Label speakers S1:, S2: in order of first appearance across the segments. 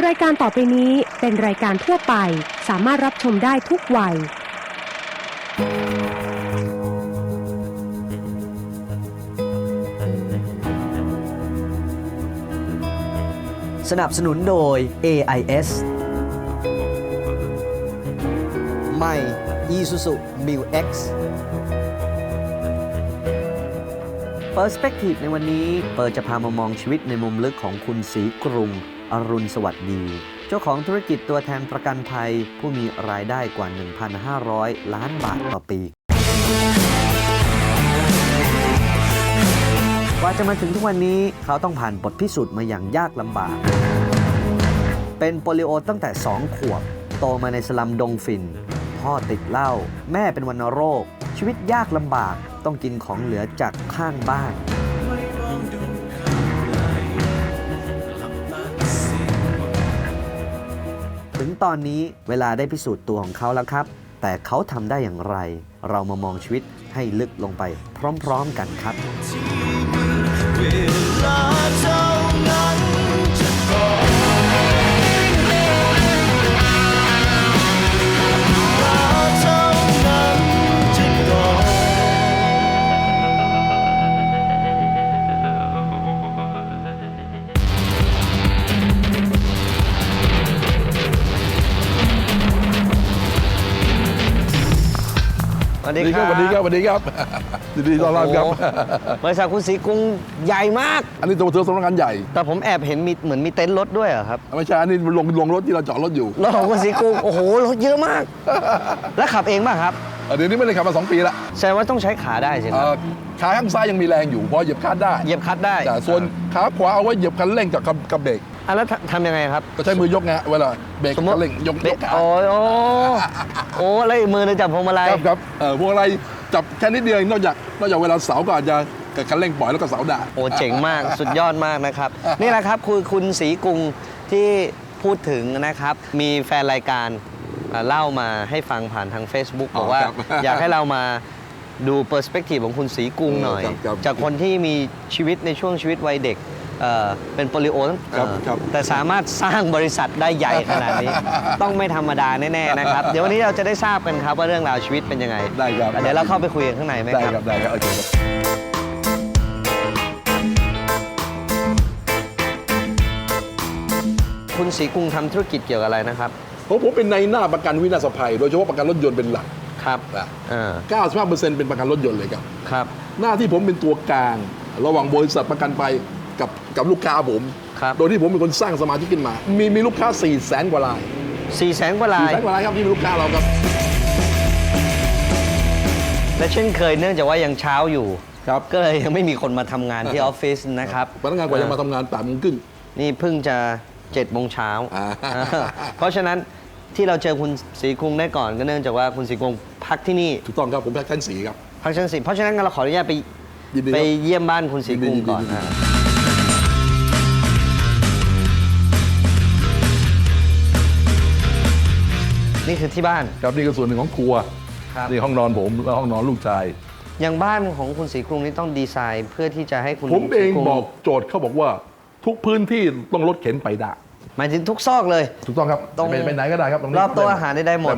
S1: ายการต่อไปนี้เป็นรายการทั่วไปสามารถรับชมได้ทุกวัย
S2: สนับสนุนโดย AIS ใหม่ Isuzu Mu-X Perspective ในวันนี้เปิดจะพามามองชีวิตในมุมลึกของคุณศรีกรุงอรุณสวัสดีเจ้าของธุรกิจตัวแทนประกันภัยผู้มีรายได้กว่า 1,500 ล้านบาทต่อปีกว่าจะมาถึงทุกวันนี้เขาต้องผ่านบทพิสูจน์มาอย่างยากลำบากเป็นโปลิโอตั้งแต่ 2 ขวบโตมาในสลัมดงฝิ่นพ่อติดเหล้าแม่เป็นวัณโรคชีวิตยากลำบากต้องกินของเหลือจากข้างบ้านถึงตอนนี้เวลาได้พิสูจน์ตัวของเขาแล้วครับแต่เขาทำได้อย่างไรเรามามองชีวิตให้ลึกลงไปพร้อมๆกันครับ
S3: สวัสดีครับ สวัสดีครับ สวัสดีครับยินดีต้อนรับครับ
S4: บริษัทคุณศรีกรุงใหญ่มาก
S3: อันนี้ตัวเธอสำนักงานใหญ่
S4: แต่ผมแอบเห็นมีเหมือนมีเต็นท์รถด้วยเหรอครับ
S3: ไม่ใช่ อันนี้ลงรถที่เราจอดรถอยู่
S4: รถของคุณศรีกรุง โอ้โห รถเยอะมาก แล้วขับเองป่ะครับ
S3: เดี๋ยวนี้ไม่ได้ขับมา2 ปีละ
S4: แสดงว่าต้องใช้ขาได้ใช่ไหม
S3: ขาข้างซ้ายยังมีแรงอยู่เพราะเหยียบคลัตช์ได้
S4: เหยียบคลัตช์ได้
S3: แต่ส่วนขาขวาเอาไว้เหยียบคันเร่งกับเบรก
S4: แล้วทำยังไงครับ
S3: ก็ใช้มือยกไงเวลาเบรกคันเร่งยกขา
S4: โอ้แล้วอีกมือนึงจับพวงมาลัย
S3: ครับพวงมาลัยจับแค่นิดเดียวนอกจากเวลาเสาก็อาจจะกับคันเร่งปล่อยแล้วก็เสาด่า
S4: โอ้เจ๋งมาก สุดยอดมากนะครับนี่แหละครับคุณศรีกรุงที่พูดถึงนะครับมีแฟนรายการเล่ามาให้ฟังผ่านทาง Facebook บอกว่าอยากให้เรามาดูเปอร์สเปกทีฟของคุณศรีกรุงหน่อยจากคนที่มีชีวิตในช่วงชีวิตวัยเด็กเป็นโปลิโอแต่สามารถสร้างบริษัทได้ใหญ่ขนาดนี้ต้องไม่ธรรมดาแน่ๆนะครับเดี๋ยววันนี้เราจะได้ทราบกันครับว่าเรื่องราวชีวิตเป็นยังไง
S3: ได้ครับ
S4: เดี๋ยวเราเข้าไปคุยกันข้างในไหมครับ
S3: ได้ครับโอเคครับ
S4: คุณศรีกรุงทำธุรกิจเกี่ยวกับอะไรนะครับ
S3: ผมเป็นในหน้าประกันวินาศภัยโดยเฉพาะประกันรถยนต์เป็นหลัก
S4: ครับ
S3: 95% เป็นประกันรถยนต์เลยครับ
S4: ครับ
S3: หน้าที่ผมเป็นตัวกลางระหว่างบริษัทประกันภัยกับลูกค้าผมโดยที่ผมเป็นคนสร้างสมาชิกขึ้นมามีลูกค้า 400,000 กว่าราย
S4: 400,000 กว่าราย
S3: ครับที่เป็นลูกค้าเราครับ
S4: และเช่นเคยเนื่องจากว่ายังเช้าอยู่
S3: ครับ
S4: ก็เลยยังไม่มีคนมาทำงานที่ออฟฟิศนะครับ
S3: พนักงานกว่าจะมาทำงาน8 โมงครึ่ง
S4: นี่เพิ่งจะ7 โมงเช้าเพราะฉะนั้นที่เราเจอคุณศรีกรุงได้ก่อนก็เนื่องจากว่าคุณศรีกรุงพักที่นี่
S3: ถูกต้องครับผมพักชั้น4ครับ
S4: พักชั้น4เพราะฉะนั้นเราขออนุญาตไปเยี่ยมบ้านคุณศรีกรุงก่อนนี่คือที่บ้าน
S3: ครับนี่คือส่วนหนึ่งของครัวนี่ห้องนอนผมและห้องนอนลูกชาย
S4: อย่างบ้านของคุณศรีกรุงนี่ต้องดีไซน์เพื่อที่จะให้คุณ
S3: ผมเองบอกโจทย์เขาบอกว่าทุกพื้นที่ต้องรถเข็นไปได้
S4: หมายถึงทุกซอกเลย
S3: ถูกต้องครับไปไหนก็ได้ครับ
S4: รอบโต๊ะอาหารได้หมด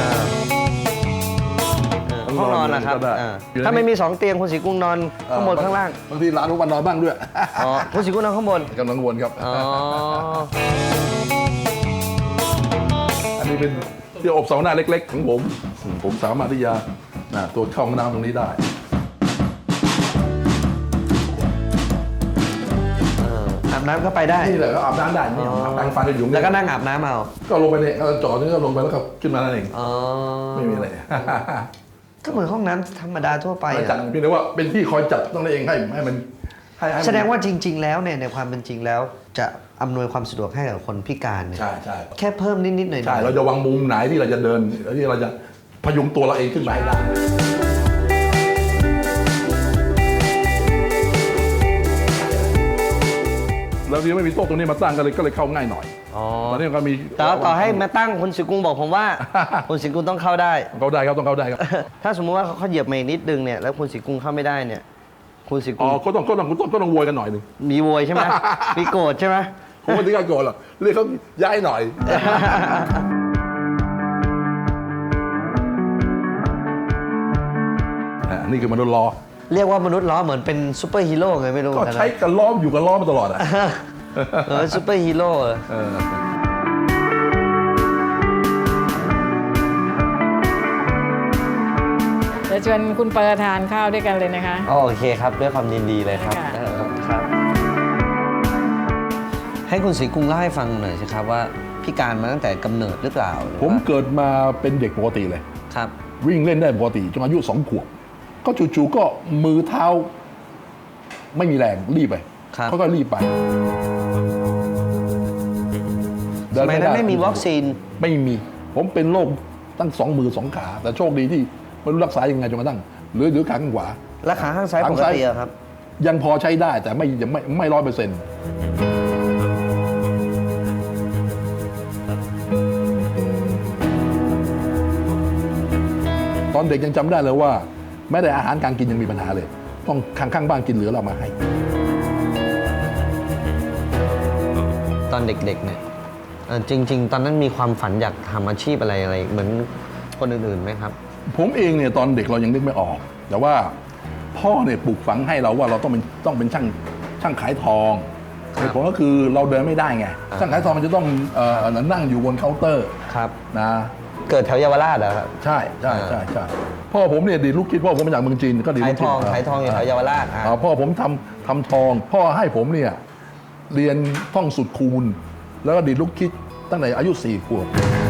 S4: ห้องนอนนะครับถ้าไม่มี2 เตียงคุณศรีกรุงนอนข้างบนข้างล่าง
S3: บางทีร้านทุกวันนอนบ้างด้วย
S4: คุณศรีกรุงนอนข้างบน
S3: กำลังวนครับอันนี้เป็นที่อบเสาหน้าเล็กๆของผมสามารถที่จะตัวเข้าห้องน้ำตรงนี้ได้
S4: อาบน้ำก็ไปได้
S3: นี่แหละก็อาบน้ำได้นี่อาบน้ำฟันกันอยู่
S4: แล้วก็นั่งอาบน้ำเอา
S3: ก็ลงไปเนี่ยจอดนี่ก็ลงไปแล้วก็ขึ้นมานั่นเองไม่มีอะไร
S4: ก็เหมือนห้องน้ำธรรมดาทั่วไป
S3: จัดเพียงแต่ว่าเป็นที่คอยจัดต้องได้เองให้มัน
S4: แสดงว่าจริงๆแล้วเนี่ยในความเป็นจริงแล้วจะอำนวยความสะดวกให้กับคนพิการ
S3: ใช่
S4: แค่เพิ่มนิดๆหน่อยๆ
S3: ใช่เราจะวางมุมไหนที่เราจะเดินที่เราจะพยุงตัวเราเองขึ้นไปได้แล้วที่ไม่มีโต๊ะตรงนี้มาตั้งก็เลยเข้าง่ายหน่อยตอนนี้ก็มี
S4: ต่อให้มาตั้งคุณศรีกรุงบอกผมว่าคุณศรีกรุงต้องเข้าได้
S3: ครับต้องเข้าได้ครับ
S4: ถ้าสมมติว่าเขาเหยียบมาอีกนิดนึงเนี่ยแล้วคุณศรีกรุงเข้าไม่ได้เนี่ยคุณศรีกรุง
S3: ก็ต้องโวยกันหน่อยนึง
S4: มีโวยใช่ไหมมีโกรธใช่ไหม
S3: ผมไม่ถึงกับโกรธหรอกเรียกเขาย้ายหน่อย นี่คือมนุษย์ล้อ
S4: เรียกว่ามนุษย์ล้อเหมือนเป็นซูเปอร์ฮีโร่ไงไม่รู้เหมื
S3: ก็
S4: อนกันนะ
S3: ใช้กันล้ออยู่กับล้อมาตลอดอ่ะ
S4: ซูเปอร์ฮีโร่
S5: จะชวนคุณเปอร์ทานข้าวด้วยกันเลยนะคะ
S4: อ๋อโอเคครับด้วยความยินดีเลยครับ
S5: ค่ะ
S4: ครับ ให้คุณศรีกรุงเล่าให้ฟังหน่อยสิครับว่าพิการมาตั้งแต่กำเนิดหรือเปล่าหรือ
S3: ผม
S4: ว่า
S3: เกิดมาเป็นเด็กปกติเลย
S4: ครับ
S3: วิ่งเล่นได้ปกติจนอายุ2 ขวบ ก็จู่ๆก็มือเท้า ไม่มีแรงรีบไป
S4: ครับ
S3: เขาก็รีบไป
S4: สมัยนั้นไม่มีวัคซีน
S3: ไม่มี ผมเป็นโรคตั้ง2 มือ 2 ขา แต่โชคดีที่ไม่รู้รักษายังไงจนกระทั่งเหลือขาข้างขวา
S4: และขาข้างซ้ายปกติอะครับ
S3: ยังพอใช้ได้แต่ไม่100%ตอนเด็กยังจำได้เลยว่าแม้แต่อาหารการกินยังมีปัญหาเลย ต้องข้างบ้านกินเหลือเรามาให้
S4: ตอนเด็กๆเนี่ยจริง ๆ ตอนนั้นมีความฝันอยากทำอาชีพอะไรเหมือนคนอื่นๆไหมครับ
S3: ผมเองเนี่ยตอนเด็กเรายังนึกไม่ออก แต่ว่าพ่อเนี่ยปลูกฝังให้เราว่าเราต้องเป็นช่างขายทอง
S4: ครับ
S3: เหตุผลก็คือเราเดินไม่ได้ไงช่างขายทองมันจะต้องนั่งอยู่บนเคาน์เตอร์
S4: ครับ
S3: นะ
S4: เกิดแถวเยาวราชเหรอครับ
S3: ใช่พ่อผมเนี่ยดีดลูกคิดพ่อผมมาจากเมืองจีนก็ดีด
S4: ขา
S3: ลู
S4: ย
S3: ก
S4: ท
S3: คิด
S4: องขายทองอยู่แถวเยาวราช
S3: พ่อผมทำทอง พ่อให้ผมเนี่ยเรียนท่องสุดคูณ แล้วก็ดีดลูกคิดตั้งแต่อายุ4 ขวบ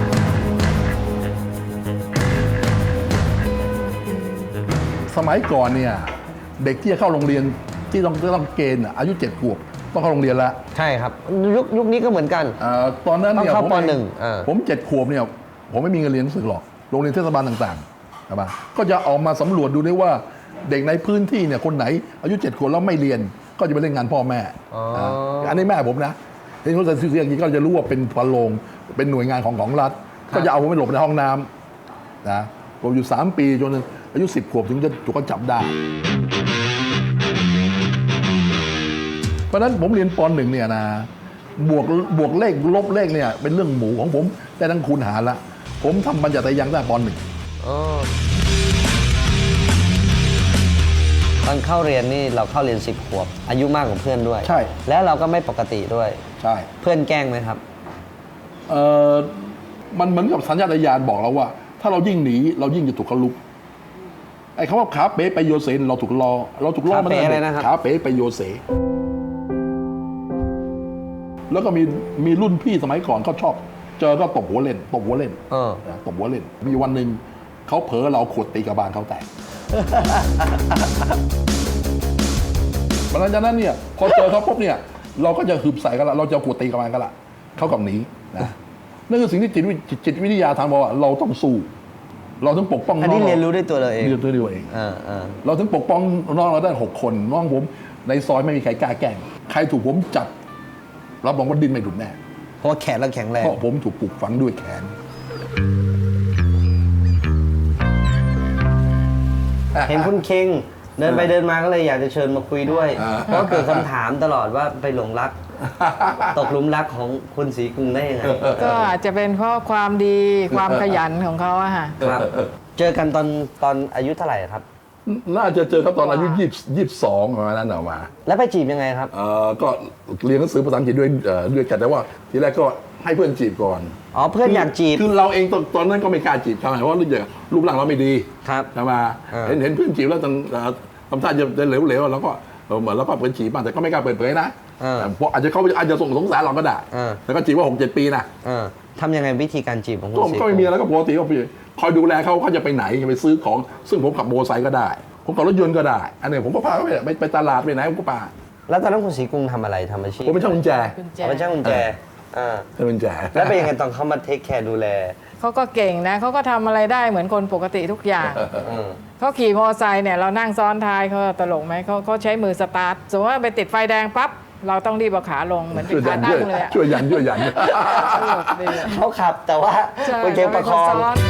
S3: สมัยก่อนเนี่ยเด็กที่จะเข้าโรงเรียนที่ต้องเกณฑ์อายุ 7 ขวบต้องเข้าโรงเรียนแล้ว
S4: ใช่ครับยุคนี้ก็เหมือนกัน
S3: ตอนนั้นเนี่ย
S4: ต้องเข้า
S3: ผม
S4: ป
S3: เอง
S4: หนึ่ง
S3: ผม7 ขวบเนี่ยผมไม่มีเงินเรียนหนังสือหรอกโรงเรียนเทศบาลต่างๆใช่ปะก็จะออกมาสำรวจดูได้ว่าเด็กในพื้นที่เนี่ยคนไหนอายุ 7 ขวบแล้วไม่เรียนก็จะไปเล่นงานพ่อแม่อันนี้แม่ผมนะเห็นเขาใส่เสื้ออย่างนี้ก็จะรู้ว่าเป็นพลโรงเป็นหน่วยงานของรัฐก็จะเอาผมไปหลบในห้องน้ำนะผมอยู่3 ปีจนอายุ10 ขวบถึงจะถูกเขาจับได้เพราะฉะนั้นผมเรียนป .1 เนี่ยนะบวกเลขลบเลขเนี่ยเป็นเรื่องหมูของผมแต่ทั้งคูณหารละผมทำบัญญัติยังได้ป .1
S4: ตอนเข้าเรียนนี่เราเข้าเรียน10 ขวบ อายุมากกว่าเพื่อนด้วย
S3: ใช่
S4: แล้วเราก็ไม่ปกติด้วย
S3: ใช่
S4: เพื่อนแกล้งไหมครับ
S3: มันเหมือนกับสัญชาตญาณบอกเราว่า ถ้าเรายิ่งหนีเรายิ่งจะถูกเขาลุกไอ้คำว่าขาเป๋ไปโยเซนเราถูกล้อมา
S4: ขาเป๋อะไรนะครับ
S3: ขาเป๋ไปโยเซแล้วก็มีรุ่นพี่สมัยก่อนเขาชอบเจอก็ตบหัวเล่นตบหัวเล่นมีวันหนึ่งเขาเผลอเราขวดตีกระบาลเขาแตก หลังจากนั้นเนี่ยพอเจอเขาปุ๊บเนี่ยเราก็จะหืบใส่กันละเราจะขวดตีกระบาลกันละเขากับหนีนะนั่นคือสิ่งที่จิตวิทยาทางบอกว่าเราต้องสู้เราต้องปกป้องน้อง
S4: อันนี้เรียนรู้ด้วยตัวเราเอง
S3: เรียนรู้ด้วยตัวเอง เราถึงปกป้องน้องเราได้6 คนน้องผมในซอยไม่มีใครกล้าแกล้งใครถูกผมจับรับรองว่าดิ้นไม่หลุดแน่
S4: เพราะว่าแขนเราแข็งแรง
S3: เพราะผมถูกปลูกฝังด้วยแขน
S4: เห็นคุณเคงเดินไปเดินมาก็เลยอยากจะเชิญมาคุยด้วย เพราะเกิดคำถามตลอดว่าไปหลงรัก ตกหลุมรักของคุณศรีกรุงได้ยังไง
S5: ก็อาจจะเป็นเพราะความดีความขยันของเขาอะค่ะ
S4: ครับ เจอกันตอนอายุเท่าไหร่ครับ
S3: น่าจะเจอเขาตอนอายุ22ประมาณนั้นออกมา
S4: แล้วไปจีบยังไงครับ
S3: ก็เรียนหนังสือภาษาอังกฤษด้วยกันแต่ว่าทีแรกก็ให้เพื่อนจีบก่อน
S4: อ๋อเพื่อนอยากจีบ
S3: คือเราเองตอนนั้นก็ไม่กล้าจีบเขาเพราะรูปร่างเราไม่ดี
S4: ครับ
S3: ใช่ไหมเห็นเพื่อนจีบแล้วทำท่าจะเหลวๆแล้วก็เหมือนแล้วก็เปิดจีบบ้างแต่ก็ไม่กล้าเปิดเผยนะเพราะอาจจะสงสารเราก็ได้แล้วก็จีบว่า 6-7 ปีนะ
S4: ทำยังไงวิธีการจีบของคุณศรี
S3: ก็ไม่มีอะไรก็ปกติก็คอยดูแลเขาจะไปไหนจะไปซื้อของซึ่งผมขับโมอเตอร์ไซค์ก็ได้ผมขับรถยนต์ก็ได้อันนี้ผมก็พาเขาไปตลาดไปไหนผมก็พา
S4: แล้วตอนนั้นคุณศรีกรุงทำอะไรทำอาชีพ
S3: ผมเป็นช่างกุญแจ
S4: เอาเป็นช่างกุญแจ
S3: ช่างกุญแจ
S4: แล้วเป็นยังไงตอนเขามาเทคแคร์ดูแล
S5: เขาก็เก่งนะเขาก็ทำอะไรได้เหมือนคนปกติทุกอย่าง เขาขี่มอเตอร์ไซค์เนี่ยเรานั่งซ้อนท้ายเขาตลกไหมเขาใช้มือสตาร์ทสมมติว่าไปติดไฟแดงปั๊บเราต้องรีบเอาขาลงเหมือนเป็นขาตั้งเลยอะ
S3: ช่วยยัน
S5: ตลกดีอะ
S4: เขาขับแต่ว่า
S5: ใช่
S4: คุณเคงประคอง
S5: เขาเป็นนซ้อน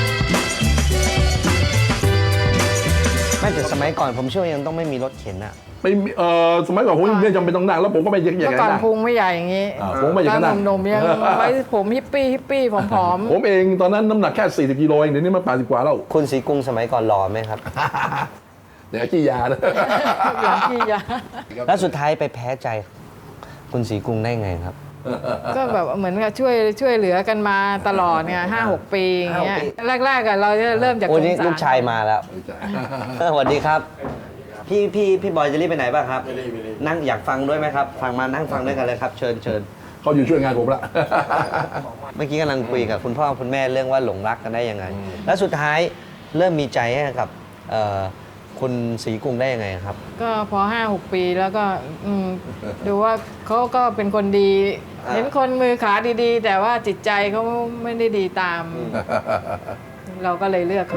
S4: ไม่แต่สมัยก่อนผมเชื่อว่ายังต้องไม่มีรถเข็นอะ
S3: ไม่มีสมัยก่อนผมไม่จำเป็นต้องนั่งแล้วผมก็ไม่ใหญ่
S5: เมื่อก่อนพุงไม่ใหญ่อย่างนี้
S3: ผมไม่ใหญ่
S5: ต
S3: ข
S5: อน
S3: นาด
S5: หนุ่มๆยังไว้ผมฮิปปี้ผอม
S3: ผมเองตอนนั้นน้ำหนักแค่40 กิโลเองเดี๋ยวนี้มัน80 กว่าแล้ว
S4: คุณศรีกรุงสมัยก่อนหล่อไหมครับ
S3: เดี๋ยวขี้ยานะ
S5: ๆอย่างที่ยา
S4: แล้วสุดท้ายไปแพ้ใจ คุณศรีกรุงได้ไงครับ
S5: ก็แบบเหมือนกับช่วยเหลือกันมาตลอดไง5-6 ปีอย่างเงี้ย
S4: 5-6 ปี
S5: แรกๆอะเราจะเริ่มจาก
S4: โอ้
S5: สง
S4: นี่
S5: สาร
S4: ลูกชายมาแล้วสวัสดีครับ พี่บอยจะรีบไปไหนบ้างครับนั่งอยากฟังด้วยไหมครับ ฟังมานั่งฟังด้วยกันเลยครับ เชิญ
S3: เขาอยู่ช่วยงานผมละ
S4: เมื่อกี้กำลังคุยกับคุณพ่อคุณแม่เรื่องว่าหลงรักกันได้ยังไง แล้วสุดท้ายเริ่มมีใจให้กับคุณศรีกรุงได้ยังไงครับ
S5: ก็พอ5-6 ปีแล้วก็ดูว่าเขาก็เป็นคนดี เห็นคนมือขาดีๆ แต่ว่าจิตใจเขาไม่ได้ดีตาม เราก็เลยเลือกเขา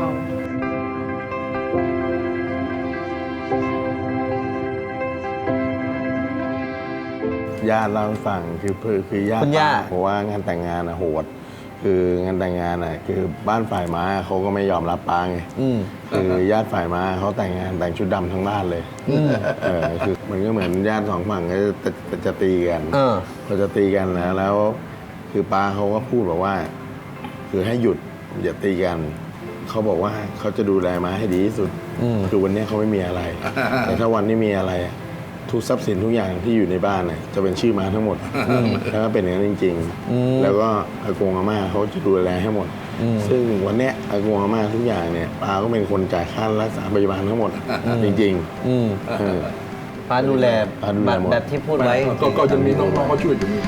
S6: ญาติเล่าให้ฟังคือญาติ
S4: คุณย่า
S6: เพราะว่างานแต่งงานโหด คืองานแต่งงานคือบ้านฝ่ายม้าเขาก็ไม่ยอมรับปาไงคือญาติฝ่ายม้าเขาแต่งงานแต่งชุดดำทั้งบ้านเลยคือมันก็เหมือนญาติสองฝั่งก็จะตีกันเขาจะตีกันแล้วคือป้าเขาก็พูดบอกว่า คือให้หยุดอย่าตีกันเขาบอกว่าเขาจะดูแลม้าให้ดีที่สุดคือวันนี้เขาไม่มีอะไร แต่ถ้าวันนี้มีอะไรทุกทรัพย์สินทุกอย่างที่อยู่ในบ้านจะเป็นชื่อม้าทั้งหมดแล้วก็เป็นอย่างนั้นจริงๆแล้วก็อากงอาม่าเขาจะดูแลให้หมดซึ่งวันเนี้ยอากงอาม่าทุกอย่างเนี่ยป้าก็เป็นคนจ่ายค่ารักษาพยาบาลทั้งหมดจริงๆ
S4: ป้าดูแล
S6: ป้าดูแลหมด
S4: แบบที่พูดไว้
S3: ก็จะมีน้องๆเขาช่วยอยู่นี่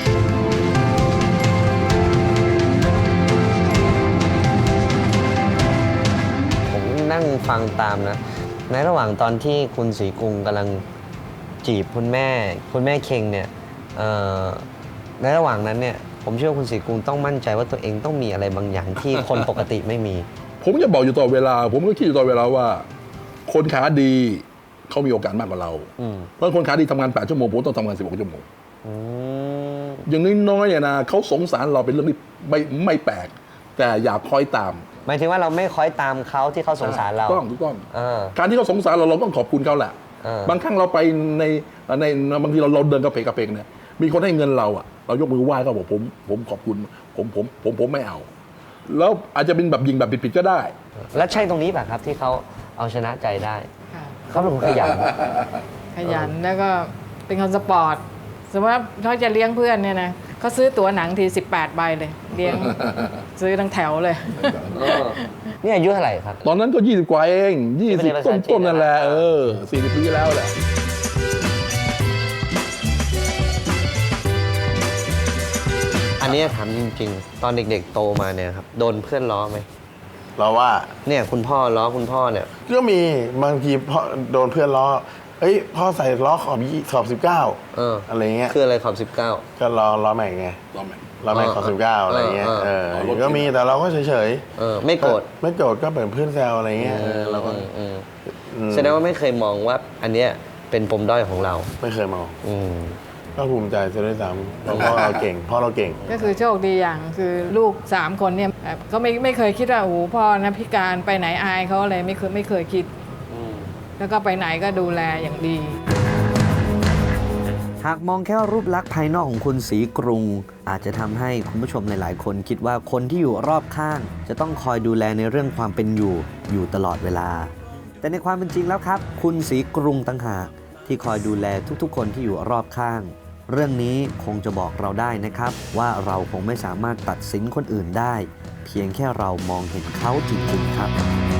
S4: ผมนั่งฟังตามนะ ในระหว่างตอนที่คุณศรีกรุงกำลังจีบคุณแม่เคงเนี่ยในระหว่างนั้นเนี่ยผมเชื่อว่าคุณศรีกรุงต้องมั่นใจว่าตัวเองต้องมีอะไรบางอย่างที่คนปกติไม่มี
S3: ผมจะบอกอยู่ตลอดเวลา ผมก็คิดอยู่ตลอดเวลาว่า คนขาดีเขามีโอกาสมากกว่าเรา เพราะคนขาดีทำงาน8 ชั่วโมงผมต้องทำงาน16 ชั่วโมงอย่างน้อยๆเนี่ยนะเขาสงสารเราเป็นเรื่องที่ไม่แปลก แต่อย่าคอยตาม
S4: หมายถึงว่าเราไม่คอยตามเขาที่เขาสงสารเรา
S3: ถูกต้อง
S4: เออ
S3: การที่เขาสงสารเราต้องขอบคุณเขาแหละ บางครั้งเราไปในบางทีเราเดินกระเพกเนี่ยมีคนให้เงินเราเรายกมือไหว้เขาบอกผมขอบคุณผมไม่เอา แล้วอาจจะเป็นแบบยิงแบบผิดๆก็ได้
S4: แล้วใช่ตรงนี้ป่ะครับที่เขาเอาชนะใจได้
S5: ค่ะ
S4: เขาเป็นคนขยัน
S5: ขยันแล้วก็เป็นคนสปอร์ตสมมติว่าเขาจะเลี้ยงเพื่อนเนี่ยนะเขาซื้อตั๋วหนังที18 ใบเลยเลี้ยง ซื้อทั้งแถวเลย
S4: นี่อายุเท่าไหร่ครับ
S3: ตอนนั้นก็20 กว่าเอง
S4: ที่เป็นภาษาจีน
S3: ต้นๆนั่นแหละ40 ปีแล้วแหละ
S4: อันนี้ถามจริงๆ ตอนเด็กๆโตมาเนี่ยครับโดนเพื่อนล้อไหม
S6: เราว่า
S4: เนี่ยคุณพ่อล้อคุณพ่อเนี่ย
S6: ก็มีบางทีพ่อโดนเพื่อนล้อพ่อใส่ล้อขอบ19อะไรเงี้ย
S4: คืออะไรขอบ 19
S6: ก็ล้อแม็กไงล้อแม็กขอบ19อะไรเงี้ยก็มีแต่เราก็เฉยๆ
S4: ไม่โกรธ
S6: ไม่โกรธก็เป็นเพื่อนแซวอะไรเงี้ยเราก็
S4: แสดงว่าไม่เคยมองว่าอันเนี้ยเป็นปมด้อยของเรา
S6: ไม่เคยมองก็ภูมิใจซะด้วยซ้ำเพราะพ่อเราเก่ง
S5: ก็คือโชคดีอย่างคือลูก3 คนเนี่ยเขาไม่เคยคิดว่าโอ้โหพ่อนะพิการไปไหนอายเขาอะไรไม่เคยคิดแล้วก็ไปไหนก็ดูแลอย่างดี
S2: หากมองแค่รูปลักษณ์ภายนอกของคุณศรีกรุง อาจจะทำให้คุณผู้ชมหลายๆคนคิดว่าคนที่อยู่รอบข้าง จะต้องคอยดูแลในเรื่องความเป็นอยู่ตลอดเวลา แต่ในความเป็นจริงแล้วครับ คุณศรีกรุงต่างหากที่คอยดูแลทุกๆคนที่อยู่รอบข้าง เรื่องนี้คงจะบอกเราได้นะครับ ว่าเราคงไม่สามารถตัดสินคนอื่นได้ เพียงแค่เรามองเห็นเขาจริงๆครับ